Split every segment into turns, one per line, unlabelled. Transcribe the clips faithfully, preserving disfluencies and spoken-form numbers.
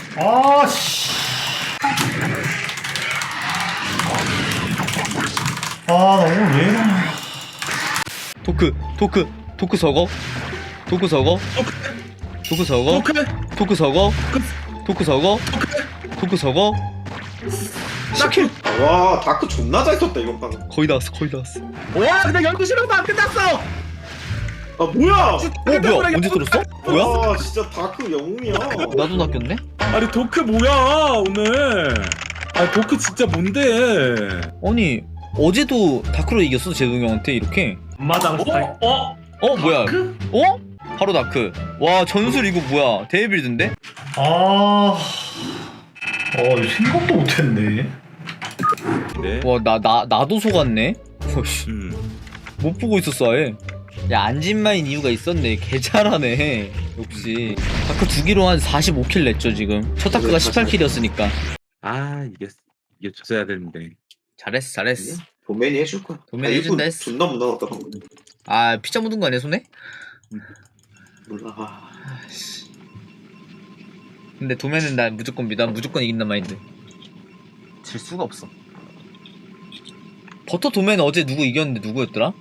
아씨. 아, 나 오늘 왜 이러냐.
토크 토크 토크 서거 토크 서거 토크 서거
토크
토크 서거 토크 서거 토크 서거
시킬.
와 다크 존나 잘 썼다 이번 판.
거의 다 왔어 거의 다 왔어.
와 근데 열두 시간도 안 끝났어.
아 뭐야?
어 뭐야 언제 들었어? 뭐야?
와 진짜 다크 영웅이야.
나도 낚였네?
아니 도크 뭐야 오늘? 아니 도크 진짜 뭔데?
아니 어제도 다크로 이겼어 제동이 형한테 이렇게.
엄마당 스타일.
어? 어?
어 뭐야 어? 바로 다크. 와 전술 이거 뭐야 데이빌드인데?
아, 어, 이거 생각도 못했네.
네.
와 나 나 나도 속았네. 어씨
음.
못 보고 있었어 아예. 야 안진마인 이유가 있었네. 개 잘하네 역시. 다크 두 기로 한 사십오 킬 냈죠 지금. 첫 다크가 십팔 킬이었으니까.
아 이게 이게 줬어야 되는데.
잘했어 잘했어.
도맨이 해줄 거야.
도맨이
아,
해준다
이거
했어.
존나 무난하다 방금.
아 피자 묻은 거 아니야 손에?
몰라. 아,
근데 도매는 난 무조건 믿어. 난 무조건 이긴단 마인드. 질 수가 없어. 버터 도매는 어제 누구 이겼는데 누구였더라?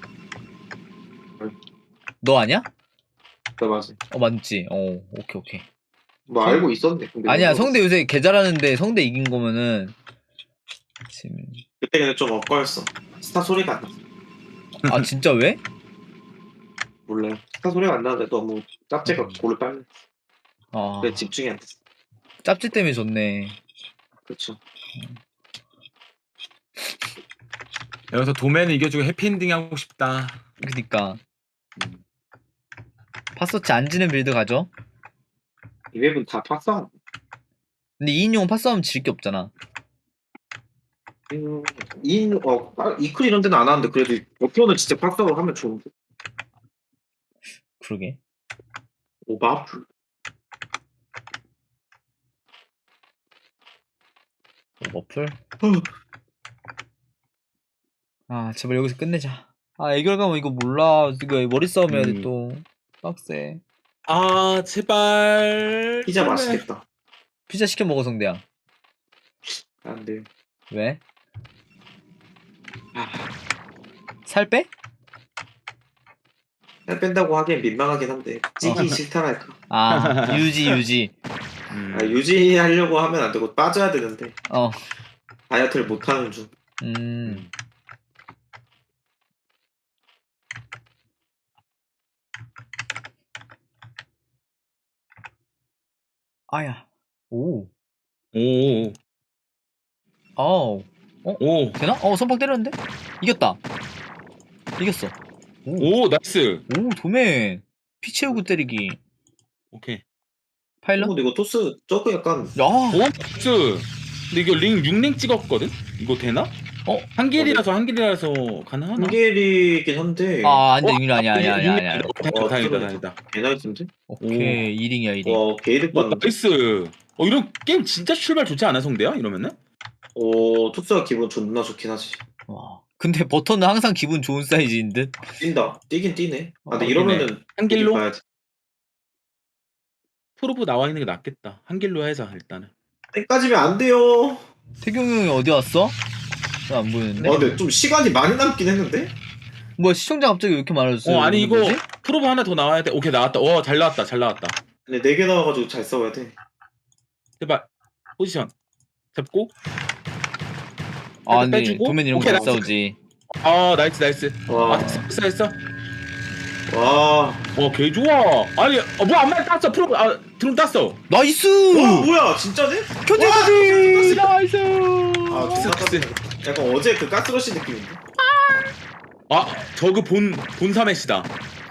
너 아니야?
나 맞아.
어 맞지. 어 오케이 오케이.
뭐 알고 있었네. 근데
아니야
모르겠어.
성대 요새 개 잘하는데 성대 이긴 거면은 지금.
그때 그냥 좀 엇갈렸어. 스타 소리가 안 났어.
아 진짜 왜?
몰라요. 스타 소리가 안 나는데 너무 짭제가 골을 빨리.
아
그래 집중이 안 됐어.
짭지 때문에 졌네.
그렇죠.
여기서 도맨을 이겨주고 해피엔딩 하고 싶다.
그니까
음.
파서치 안 지는 빌드 가죠.
이 맵은 다 팍싸움.
근데 이인용은 파싸움 질 게 없잖아.
음, 이, 어, 아, 이클 이런 데는 안 하는데 그래도 버프는 진짜 팍싸움을 하면 좋은데.
그러게.
오바풀.
머플. 아 제발 여기서 끝내자. 아 애결 가면 이거 몰라. 이거 머리 싸움 해야 돼
음.
또. 빡세.
아 제발.
피자
제발.
맛있겠다.
피자 시켜 먹어 성대야.
안 돼.
왜?
아,
살 빼?
살 뺀다고 하기엔 민망하긴 한데 찌기
어.
싫다랄까.
아 유지 유지.
음.
아, 유지하려고 하면 안 되고 빠져야 되는데
어.
다이어트를 못 하는 중.
음. 아야. 오.
오.
아우. 어?
오.
되나? 어 선박 때렸는데? 이겼다. 이겼어. 오.
오 나이스.
오 도맨. 피 채우고 때리기.
오케이.
파일럿?
근데 이거 토스 저거 약간
야.
오 나이스. 근데 이거 링 육 랭 찍었거든? 이거 되나?
어?
한길이라서 한길이라서 가능하나?
한길이긴 한데
아 안돼
어?
융일 아니야 아니야 아니야 아니야.
다행이다
어,
다행이다
들어오네.
다행이다.
개나이스인데?
오케이 이 링이야 이 링.
와 게이득
와
봤는데?
나이스. 어 이런 게임 진짜 출발 좋지 않아 성대야? 이러면은?
오 토스가 기분 존나 좋긴 하지.
와. 근데 버터는 항상 기분 좋은 사이즈인 듯.
뛴다. 뛰긴 뛰네. 아 근데
어,
이러면은
한길로?
봐야지.
프로브 나와 있는 게 낫겠다. 한길로 해서 일단은.
때까지면 안 돼요.
태경 형이 어디 왔어? 나 안 보이는데.
아 근데 좀 시간이 많이 남긴 했는데?
뭐야 시청자 갑자기 왜 이렇게 많아졌어요?
어 아니 이거
뭐지?
프로브 하나 더 나와야 돼. 오케이 나왔다. 와 잘 나왔다 잘 나왔다.
근데 네 개 나와가지고 잘 싸워야 돼.
제발 포지션 잡고.
아 근데
빼주고?
도맨 이런
오케이,
거잘
나이스.
싸우지.
아 나이스 나이스.
와.
아 됐어 됐어 됐어.
와.
와개 좋아. 아니 어, 뭐안 맞 땄어 프로브 아 드론 땄어.
나이스!
와 뭐야 진짜네?
견제까지! 나이스!
아 존나
득스.
땄네. 약간 어제 그 가스러시 느낌인데?
아 저그 본 본사메시다.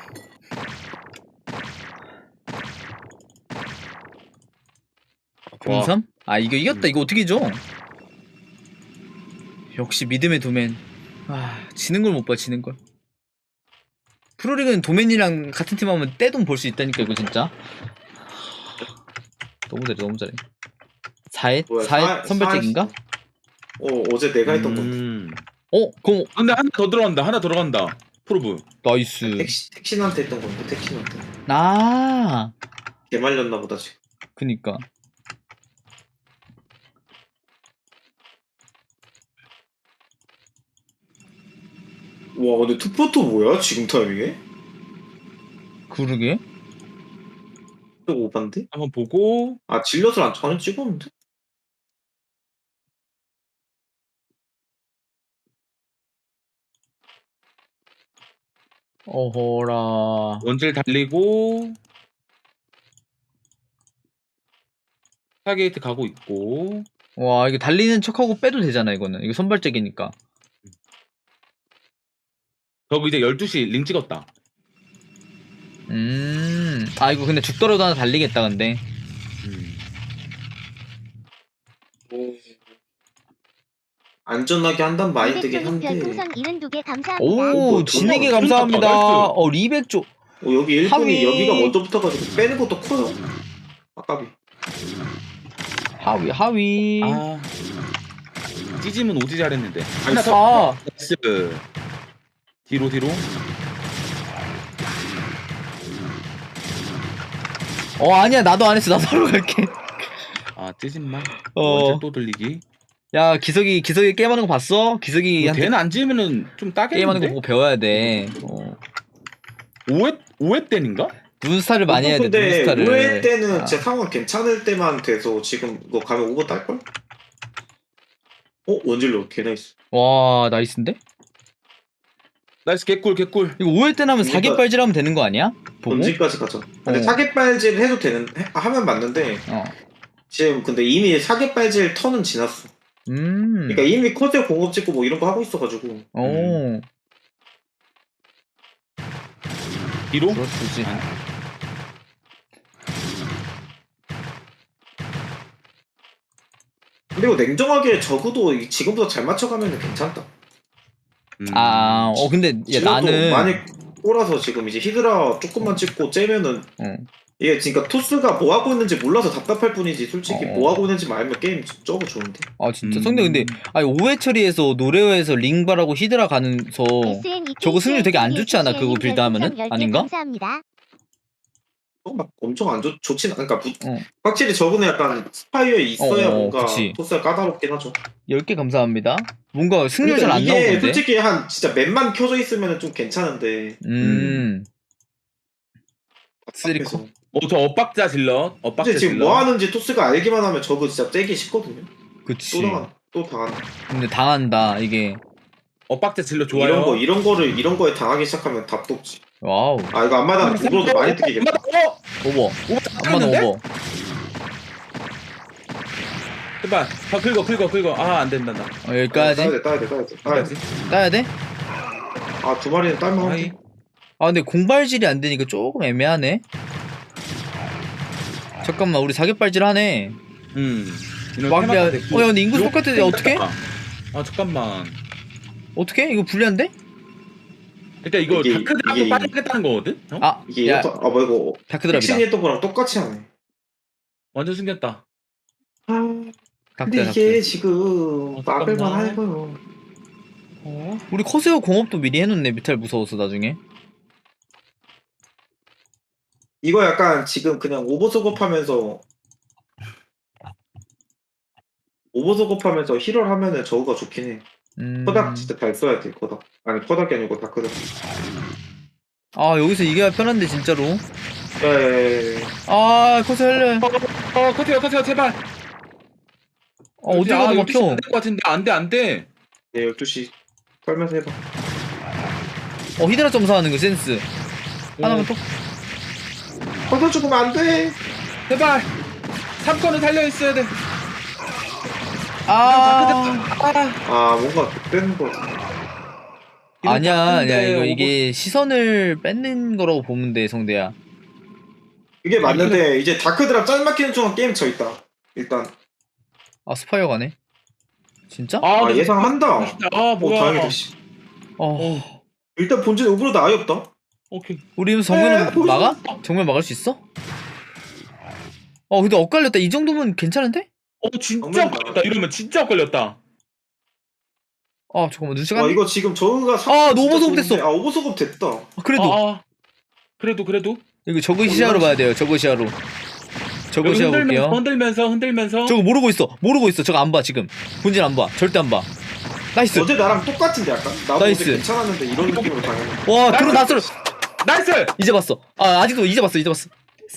공삼? 아 이거 이겼다.
음.
이거 어떻게 줘? 역시 믿음의 도맨. 아 지는 걸 못 봐 지는 걸. 프로리그는 도맨이랑 같은 팀 하면 떼돈 벌 수 있다니까 이거 진짜. 너무 잘해 너무 잘해. 사회?
뭐야,
사회
사-
선별적인가?
어 어제 내가 했던 건데.
음.
어? 그럼
근데 하나 더 들어간다. 하나 들어간다. 프로브.
나이스.
택시 택신한테 했던 건데 택신한테.
아
개 말렸나 보다 지금.
그니까
와 근데 투포토 뭐야 지금 타이밍에?
그러게.
또 오반데?
한번 보고.
아 질럿을 안 전혀 찍었는데?
어허라.
원질 달리고. 스타게이트 가고 있고.
와, 이거 달리는 척하고 빼도 되잖아, 이거는. 이거 선발적이니까.
저거 이제 열두 시 링 찍었다.
음. 아, 이거 근데 죽더라도 하나 달리겠다, 근데.
음.
오. 안전하게 한단 마인드긴 한데
별풍선 칠십이 개 감사합니다.
오,
뭐,
진에게
돈
감사합니다.
나왔다,
어, 리백조.
어, 여기 일본이
하위.
여기가 먼저 붙어가지고 빼는 것도 커요. 아까비.
하위, 하위.
아. 찌짐은 오지 잘했는데. 하나
하나
더.
아,
나이스. 뒤로 뒤로.
어, 아니야. 나도 안 했어. 나도 하러 갈게.
아 찌짐만.
어.
원질 또 들리기.
야, 기석이, 기석이 게임하는 거 봤어? 기석이 한테
걔는 안 지으면은 좀 따겠는데.
게임하는 거 보고 배워야 돼. 어.
오회 오회 때인가?
눈스타를 많이 해야 돼,
근데
눈스타를.
오회 때는
아.
제 상황 괜찮을 때만 돼서 지금 이거 가면 오버 딸걸? 어? 원질로 개 나이스.
와, 나이스인데?
나이스 개꿀 개꿀.
이거 오 회 때는 하면
그러니까-
사개빨질하면 되는 거 아니야? 보고?
원질까지 가자. 근데
어.
사계빨질 해도 되는 해- 하면 맞는데
어.
지금 근데 이미 사계빨질 턴은 지났어.
음.
그러니까 이미 코드 공업 찍고 뭐 이런 거 하고 있어가지고.
오.
뒤로.
그렇지.
그리고 냉정하게 적어도 이- 지금보다 잘 맞춰가면 괜찮다.
음.
아, 어, 근데, 야,
질럿도
나는.
많이 꼬라서 지금 이제 히드라 조금만 찍고 째면은
어.
이게 그러니까 토스가 뭐 하고 있는지 몰라서 답답할 뿐이지 솔직히
어.
뭐 하고 있는지 알면 게임 저거 좋은데.
아, 진짜.
음.
성대 근데, 아니, 오 회 처리에서 노레오에서 링발하고 히드라 가면서. 저거 승률 되게 안 좋지 않아? 그거 빌드 하면은? 아닌가?
감사합니다.
어, 막 엄청 안 좋, 좋진 않, 그러니까 부-
어.
확실히 저거는 약간 스파이어에 있어야
어, 어,
뭔가
그치.
토스가 까다롭긴 하죠.
열 개 감사합니다. 뭔가 승률 잘
그러니까
안
이게
나오던데?
솔직히 한 진짜 맵만 켜져 있으면 좀 괜찮은데.
음. 쓰리코.
그래서.
어저 엇박자 질러. 엇박자
근데 지금
질러.
뭐 하는지 토스가 알기만 하면 저거 진짜 째기 쉽거든요.
그치.
또 당한, 또 당한.
근데 당한다, 이게.
엇박자 질러 좋아요.
이런 거 이런 거를 이런 거에 당하기 시작하면 답도 없지.
와우.
아 이거 앞마당 두로도 많이 뜯기겠다.
어?
오버.
오버
한번
탔는데?
오버.
제발. 아 긁어 긁어 긁어. 아 안된다 나.
어, 여기까지.
따야 돼, 따야 돼, 따야 돼. 따야 돼.
여기까지.
따야 돼?
아, 두 마리는 딸만
아이.
하지.
아, 근데 공발질이 안 되니까 조금 애매하네. 잠깐만, 우리 사격발질 하네.
음.
막, 야, 어, 야, 근데 인구 똑같은데 어떡해?
아 잠깐만.
어떻게? 이거 불리한데?
일단 이거
이게-
다크드랍도
이게-
빠지겠다는 거거든? 어?
아,
이게
야,
이것도, 아, 뭐 이거
다크드랍이다.
백신이 했던 거랑 똑같이 하네.
완전 숨겼다.
아, 근데
다크드랍.
이게 지금
어,
막을만
잠깐만.
하고요.
어?
우리 커세어 공업도 미리 해놓네. 뮤탈 무서워서 나중에.
이거 약간 지금 그냥 오버 소급하면서 오버 소급하면서 힐을 하면은 저거가 좋긴 해.
음.
커닥 진짜 잘 써야 돼. 커닥. 아니 커닥이 아니고 다크닥.
아, 여기서 이겨야 편한데, 진짜로.
예.
아, 커세어 할래.
어 커트요 커트요 제발.
어, 어디 가도 막혀.
안될것 같은데 안돼 안돼.
네, 열두 시 살면서 해봐.
어, 히드라 점사하는 거 센스. 하나만 또.
커서 죽으면 안 돼.
제발. 삼 건은 달려 있어야 돼.
아.
아 뭔가 빼는 거 같아.
아니야,
다크인데
야, 이거
오버-
이게 시선을 뺏는 거라고 보면 돼, 성대야.
이게 맞는데 이제 다크드랍 짤 막히는 동안 게임 져 있다. 일단
아, 스파이어 가네. 진짜?
아,
아,
근데
예상한다.
아
오
뭐야.
다행이다. 씨.
어.
어
일단 본진 오브로드 아예 없다.
오케이.
우리
에,
정면은
보여줘.
막아? 정면 막을 수 있어? 어, 근데 엇갈렸다. 이 정도면 괜찮은데?
어 진짜
정말
걸렸다. 이러면 진짜 걸렸다.
아, 잠깐만, 눈치
와
갔네?
이거 지금 저거가
아, 너무 소급 됐어.
아 오버 소급 됐다.
아, 그래도.
아, 아. 그래도 그래도.
이거 저거 시야로 봐야 돼요, 저거 시야로. 저거
여기
시야
흔들면서
볼게요.
흔들면서 흔들면서.
저거 모르고 있어, 모르고 있어. 저거 안 봐, 지금. 본진 안 봐. 절대 안 봐. 나이스.
어제 나랑 똑같은데 약간? 나도
나이스.
어제 괜찮았는데 이런 느낌으로 당하는.
와 드론 다 쏠.
나이스.
이제 봤어. 아 아직도 이제 봤어. 이제 봤어.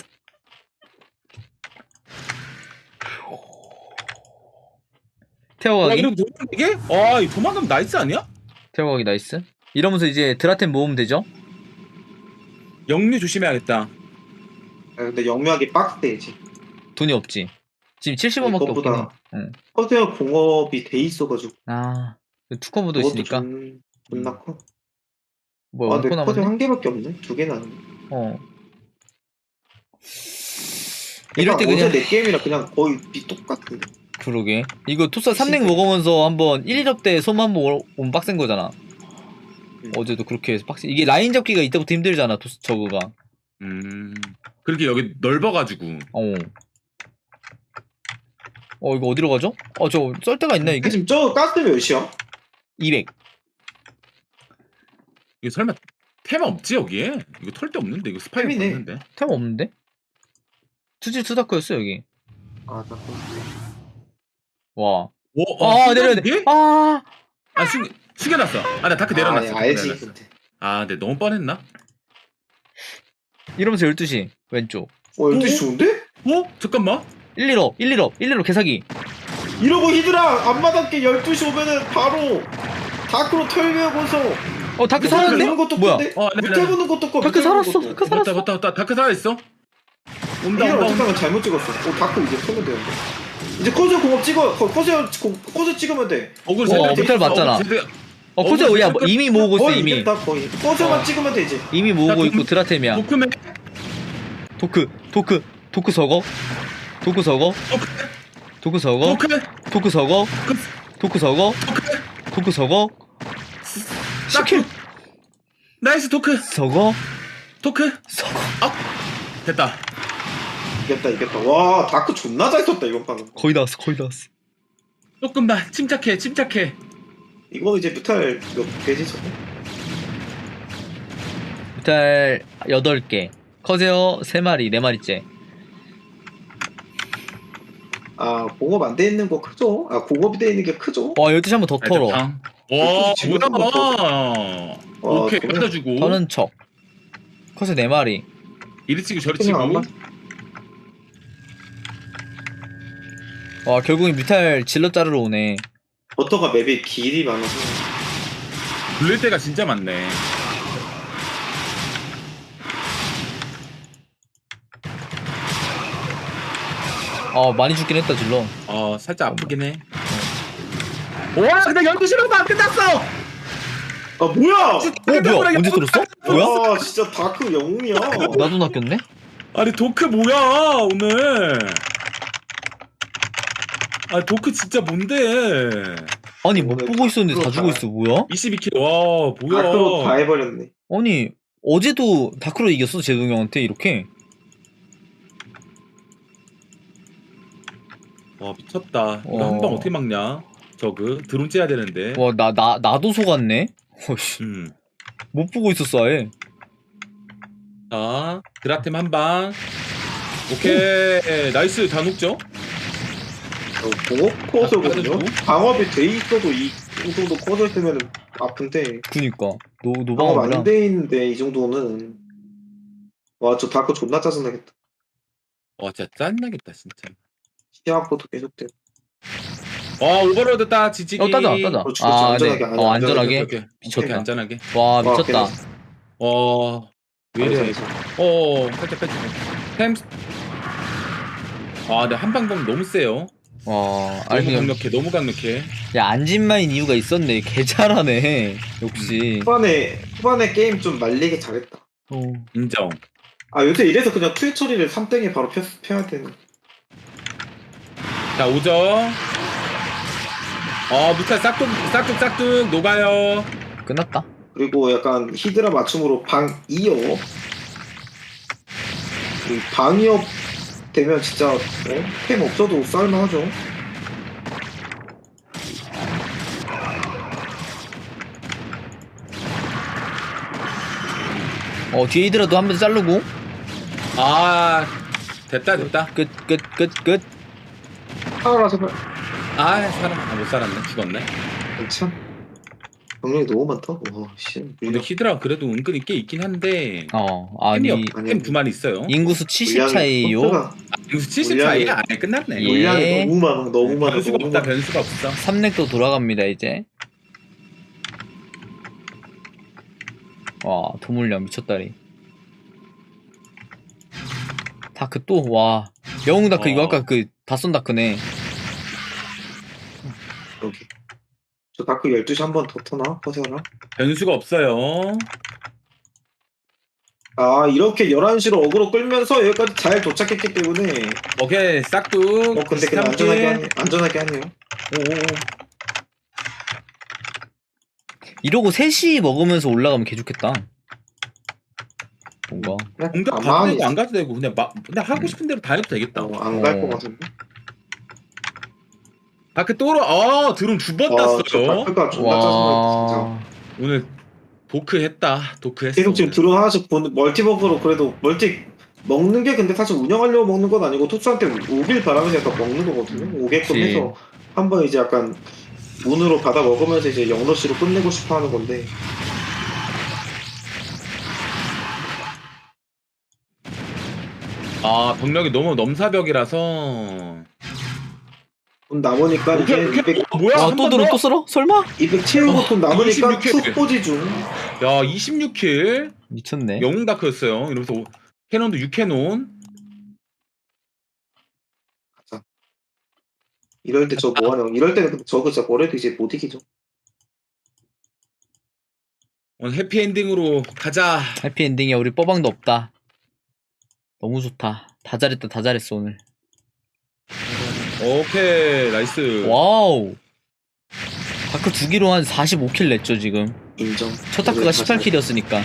야,
태워가기.
이러면 되는 이게? 아, 이 도망가면 나이스 아니야?
태워가기 나이스. 이러면서 이제 드라템 모으면 되죠?
영류 조심해야겠다.
아, 근데 영묘하게 빡세지.
돈이 없지. 지금 칠십원밖에 없긴 해.
이것보다
응.
커세어 공업이 돼 있어가지고.
아 투커브도
그것도
있으니까.
존- 존나 커.
뭐야
아, 근데
원코
커세어
남았네?
한 개밖에 없네. 두 개나. 안 돼.
어. 이럴 때
그러니까
그냥
어제 내 게임이랑 그냥 거의 비 똑같은데.
그러게. 이거 투사 삼 랭 먹으면서 한번 일, 이업 때 손 한번 오면 빡센 거잖아.
음.
어제도 그렇게 해서 빡세. 이게 라인 잡기가 이때부터 힘들잖아. 투 저그가.
음. 그렇게 여기 넓어가지고.
어. 어 이거 어디로 가죠? 어 저 썰 데가 있나 이게?
지금 저 가스 몇이야?
이백.
이거 설마 테마 없지 여기에? 이거 털 데 없는데 이거 스파이크
템이네.
없는데.
템 없는데? 투지 투다크였어 여기.
아, 나
와.
오,
아
어,
내려야 돼.
이게?
아.
아 숙, 숙여놨어. 아 나 다크 내려놨어.
아, 알지.
내려놨어.
근데.
아 근데 너무 뻔했나?
이러면서 열두 시 왼쪽.
어, 열두 시 좋은데?
어? 잠깐만.
일, 일업 일, 일업 일, 일업 개사기.
이러고 히드라 앞마당께 열두 시 오면은 바로 다크로 털면서
어 다크 살았는데?
보는 것도
뭐야?
큰데?
어, 네,
밑에
네.
보는 것도 커.
다크
밑에 보는
살았어.
것도.
다크
맞다
살았어.
맞다 맞다. 다크 살아있어. 온다
이걸
온다
어떻게
온다.
하면 잘못 찍었어. 오, 다크 이제 털면 되는데. 이제 커즈 공업 찍어. 거- 커즈 공- 커즈 찍으면 돼.
어글
어,
제대로
밑에 봤잖아.
어글 제대로-
어 코제
어,
야
잠깐-
이미 모으고 있어
거의
이미.
이겼다 거의. 커즈만
어.
찍으면 되지.
이미 모으고
야,
있고
돈-
드라템이야.
도크맨
도크 도크 도크 서거 도크 서거
도크
도크 서거
도크
도크 서거 도크 서거 도크 서거
싹킬 나이스 도크
서거
도크
서거.
됐다.
이겼다 이겼다. 와 다크 존나 잘 썼다 이번 판은.
거의 나왔어 거의 나왔어.
조금만 침착해 침착해.
이거 이제 뮤탈 몇 개지 저거?
뮤탈 여덟 개 커세어 세 마리 네 마리째.
아 공업 안 돼 있는 거 크죠? 아 공업이 돼 있는 게 크죠?
와 열두 시 한 번 더 털어.
와 뭐야. 오케이
저는-
받아주고.
터는 척. 커세어 네 마리.
이리 치고 저리
그냥
치고.
아마-
와 결국엔 뮤탈 질러 자르러 오네.
버터가 맵이 길이 많아서
굴릴 때가 진짜 많네.
아 많이 죽긴 했다 질러.
어 살짝 아프긴 해. 와 근데 열두 시로도 안 끝났어.
아 뭐야!
어 뭐야 언제 뚫었어? 뭐야?
와 진짜 다크 영웅이야.
나도 낚였네?
아니 도크 뭐야 오늘. 아 도크 진짜 뭔데.
아니 못 보고 있었는데 다 죽어 있어 뭐야?
이십이 킬 와
다크로 다
뭐야.
해버렸네.
아니 어제도 다크로 이겼어 제동 형한테 이렇게.
와 미쳤다. 이거
어.
한 방 어떻게 막냐. 저그 드론 째야 되는데.
와 나 나 나도 속았네. 어씨
음.
못 보고 있었어 아예.
자 드라템 한 방. 오케이 나이스 다 녹죠.
어, 공업 커서거든요.
받아주고.
방업이 돼 있어도 이 정도 커져 있으면 아픈데
그니까 노
방업
노방업이랑.
안 돼 있는데 이 정도는 와 저 다크 존나 짜증나겠다.
와 진짜 짠나겠다 진짜.
시야코도 계속돼.
와 올버로드 따 지지기.
어 따자 따자.
그렇지, 그렇지.
아
안전하게,
네.
안전하게.
어 안전하게.
오케이, 오케이.
미쳤다.
오케이, 안전하게.
와
와,
미쳤다.
괜찮았어.
와. 왜 이래?
그래서
어, 살짝 빼주고. 템. 아, 근데 한방범 너무 세요.
와
너무
아니 그냥
강력해, 너무 강력해.
야 안진마인 이유가 있었네. 개 잘하네. 역시.
후반에 후반에 게임 좀 말리게 잘했다.
어.
인정.
아 요새 이래서 그냥 투의 처리를 삼 땡에 바로 펴, 펴야 되는.
자, 오죠. 어, 무탈 싹둑, 싹둑, 싹둑, 녹아요.
끝났다.
그리고 약간 히드라 맞춤으로 방 이업. 방 이업 되면 진짜 어? 템 없어도 쌀만하죠.
어 뒤에 이더라도 한 번 자르고.
아, 됐다, 됐다.
끝 끝 끝 끝.
하나라서
아, 살아. 아, 못 살았네. 죽었네.
괜찮. 병력이 너무 많다. 와 씨.
근데 히드라 그래도 은근히 꽤 있긴 한데
어 아니
템이
아니,
템 두만 있어요.
인구수 칠십
물량이
차이요.
포트가
인구수 칠십
물량이-
차이야? 아예 끝났네.
예.
물량이 너무 많아. 너무 많아.
변수가
너무
없다.
많아.
변수가 없어.
삼렉도 돌아갑니다 이제. 와 도물량 미쳤다리. 다크 또 와 영웅 다크 이거
어.
아까 그 다쏜 다크네.
여기. 저 다크 열두 시 한 번 더 터나? 퍼세어나?
변수가 없어요.
아 이렇게 열한 시로 어그로 끌면서 여기까지 잘 도착했기 때문에
오케이 싹둑.
어 근데 그냥 안전하게 하네, 안전하게 하네요.
오오.
이러고 셋이 먹으면서 올라가면 개 좋겠다. 뭔가
공격 가도
가만히
되고 안 가도 되고 그냥 막 그냥 하고 싶은 대로 다 해도 되겠다.
안갈
어.
것 같은데.
다크 또로 아 드론 두 번
와, 저
땄어요.
다크가 존나 짜증나 진짜.
와
오늘 도크 했다. 도크 했어.
계속 지금 드론 하나씩 본 멀티버그로 그래도 멀티 먹는 게 근데 사실 운영하려고 먹는 건 아니고 토스한테 오길 바라면서 약간 먹는 거거든요. 오게끔
그치.
해서 한번 이제 약간 운으로 받아 먹으면서 이제 영러시로 끝내고 싶어 하는 건데
아 병력이 너무 넘사벽이라서.
돈 남으니까 이제
오케이, 오케이.
이백,
어, 뭐야?
와,
한
또
번
들어
더?
또 쓸어? 설마?
이백 채우고 돈 남으니까
이십육 킬.
투 포지 중.
야 이십육 킬.
미쳤네.
영웅 다크였어요. 이러면서 오- 캐논도 육 캐논.
이럴 때 저 뭐하냐. 이럴 때는 근데 저거 진짜 뭐래도 이제 못 이기죠.
오늘 해피엔딩으로 가자.
해피엔딩이야. 우리 뻐방도 없다. 너무 좋다. 다 잘했다. 다 잘했어 오늘.
오케이 나이스.
와우. 다크 두 기로 한 사십오 킬 냈죠 지금.
인정.
첫 다크가 십팔 킬이었으니까.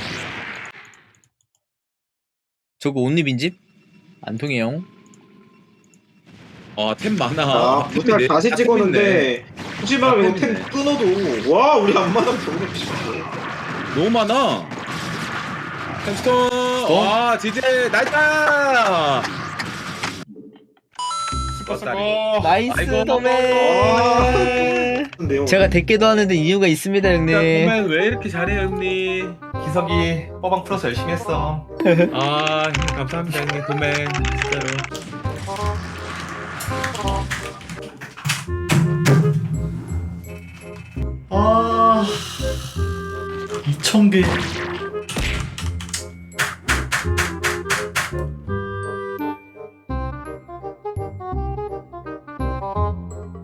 저거 온리 빈집? 안 통해요.
아템 많아.
아,
템이
부탁
네-
다시
다
찍었는데 굳이 말하면 이거 템
템이네.
끊어도 와 우리 안마당 병력 비슷해.
너무 많아. 템스톤. 와 지제 나이다. 수고.
나이스
아이고.
도맨.
근데요.
제가 대깨도 하는데 이유가 있습니다 형님.
그러면 왜 이렇게 잘해요 형님?
기석이 뻐방 풀어서 열심히 했어.
아 형님 감사합니다 형님 도맨 진짜로.
아 이천 개